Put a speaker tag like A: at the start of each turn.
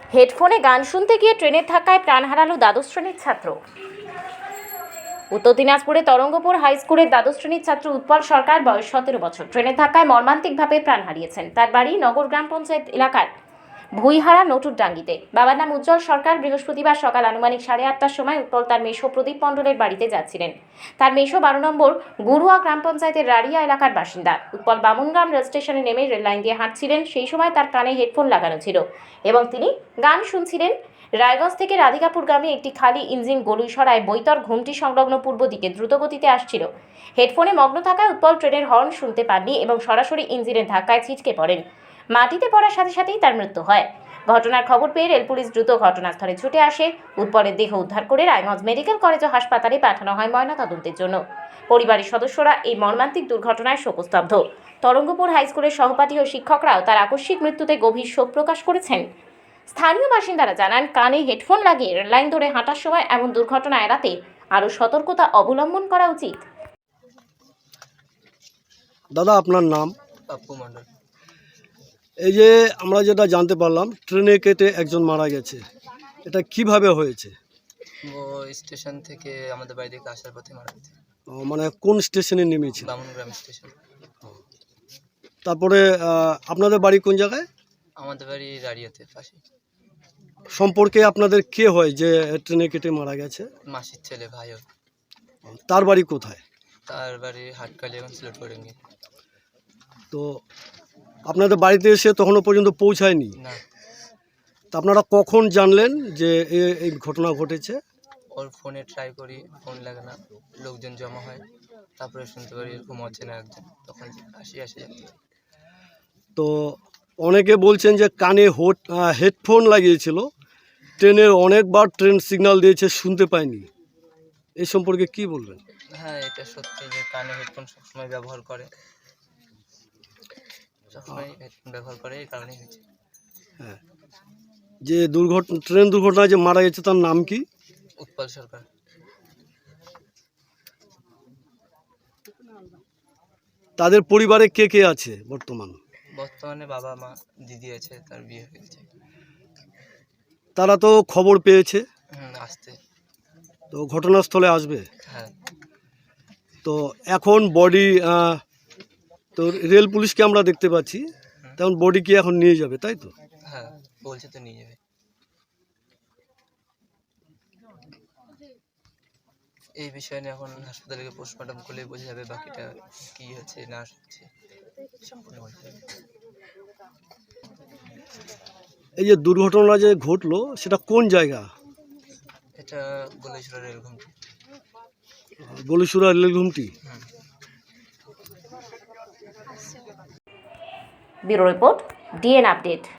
A: হেডফোনে গান শুনতে গিয়ে ট্রেনের ধাক্কায় প্রাণ হারালো দ্বাদশ শ্রেণীর ছাত্র। উত্তর দিনাজপুরে তরঙ্গপুর হাই স্কুলের দ্বাদশ শ্রেণীর ছাত্র উৎপল সরকার, বয়স 17 বছর, ট্রেনের ধাক্কায় মর্মান্তিকভাবে প্রাণ হারিয়েছেন। তার বাড়ি নগর গ্রাম পঞ্চায়েত এলাকার ভুইহারা নটুরডাঙ্গিতে। বাবার নাম উজ্জ্বল সরকার। বৃহস্পতিবার সকাল আনুমানিক 8:30টার সময় উৎপল তার মেশো প্রদীপ মণ্ডলের বাড়িতে যাচ্ছিলেন। তার মেশো 12 নম্বর গুরুয়া গ্রাম পঞ্চায়েতের রাড়িয়া এলাকার বাসিন্দা। উৎপল বামুনগ্রাম রেল স্টেশনে নেমে রেল লাইন দিয়ে হাঁটছিলেন। সেই সময় তার কানে হেডফোন লাগানো ছিল এবং তিনি গান শুনছিলেন। রায়গঞ্জ থেকে রাধিকাপুরগামী একটি খালি ইঞ্জিন গলুইসরায় বৈতর ঘুমটি সংলগ্ন পূর্ব দিকে দ্রুতগতিতে আসছিল। হেডফোনে মগ্ন থাকায় উৎপল ট্রেনের হর্ন শুনতে পাননি এবং সরাসরি ইঞ্জিনের ধাক্কায় ছিটকে পড়েন। মাটিতে পড়ার সাথে সাথেই তার মৃত্যু হয়। ঘটনার খবর পেয়ে রেল পুলিশ দ্রুত ঘটনাস্থলে ছুটে আসে। উৎপলের দেহ উদ্ধার করে রায়গঞ্জ মেডিকেল কলেজ ও হাসপাতালে পাঠানো হয় ময়নাতদন্তের জন্য। পরিবারের সদস্যরা এই মর্মান্তিক দুর্ঘটনায় শোকস্তব্ধ। তরঙ্গপুর হাই স্কুলের সহপাঠী ও শিক্ষকরাও তার আকস্মিক মৃত্যুতে গভীর শোক প্রকাশ করেছেন। স্থানীয় বাসিন্দারা জানান, কানে হেডফোন লাগিয়ে রেললাইন ধরে হাঁটার সময় এমন দুর্ঘটনা এড়াতে আরও সতর্কতা অবলম্বন করা উচিত।
B: দাদা, আপনার নাম?
C: পাপ্পু মণ্ডল।
B: এই যে আমরা যেটা জানতে পারলাম, ট্রেনে কেটে একজন মারা গেছে, এটা কিভাবে হয়েছে?
C: ও স্টেশন থেকে আমাদের বাড়ি থেকে আসার পথে মারা গেছে।
B: মানে কোন স্টেশনে নেমেছিল?
C: বামুনগ্রাম স্টেশন।
B: তারপরে আপনাদের বাড়ি কোন জায়গায়?
C: আমাদের বাড়ি রাড়িয়াতে পাশে।
B: সম্পর্কে আপনাদের কে হয় যে ট্রেনে কেটে মারা গেছে?
C: মাসির ছেলে, ভাইও।
B: তার বাড়ি কোথায়?
C: তার বাড়ি হাটকালি এবং সিলেট পড়েঙ্গি।
B: তো আপনাদের বাড়িতে এসে তখনও পর্যন্ত পৌঁছায়নি?
C: না।
B: তা আপনারা কখন জানলেন যে এই ঘটনা ঘটেছে?
C: ওর ফোনে ট্রাই করি, ফোন লাগে না, লোকজন জমা হয়, তারপরে শুনতে পারি এরকম হচ্ছে না একজন, তখন আসি যাচ্ছে।
B: তো অনেকে বলছেন যে কানে হেডফোন লাগিয়েছিল, ট্রেনের অনেকবার ট্রেন সিগন্যাল দিয়েছে, শুনতে পায়নি। এই সম্পর্কে কি বলবেন?
C: হ্যাঁ, এটা সত্যি যে কানে হেডফোন সবসময় ব্যবহার করে, এই কারণেই হয়েছে।
B: হ্যাঁ, যে ট্রেন দুর্ঘটনায় যে মারা গেছে তার নাম কি?
C: উৎপল সরকার।
B: তাদের পরিবারে কে কে আছে
C: বর্তমানে বাবা, মা, দিদি আছে, তার বিয়ে হয়েছে।
B: তারা তো খবর পেয়েছে,
C: আসতে
B: তো ঘটনাস্থলে আসবে।
C: হ্যাঁ।
B: তো এখন বডি তো রেল পুলিশকে আমরা দেখতে পাচ্ছি, তেমন বডি কি এখন নিয়ে যাবে, তাই তো?
C: হ্যাঁ, বলছে তো নিয়ে যাবে। এই বিষয় নিয়ে এখন হাসপাতালে পোস্টমর্টম করলে বোঝা যাবে বাকিটা কি হচ্ছে না হচ্ছে, সম্পূর্ণ বোঝা যাবে।
B: এই যে দুর্ঘটনা যে ঘটলো সেটা কোন জায়গা?
C: এটা গলেশ্বর রেল ঘুমটি।
B: গলিসুরা রেল ঘুমটি।
A: Bureau report, DN update.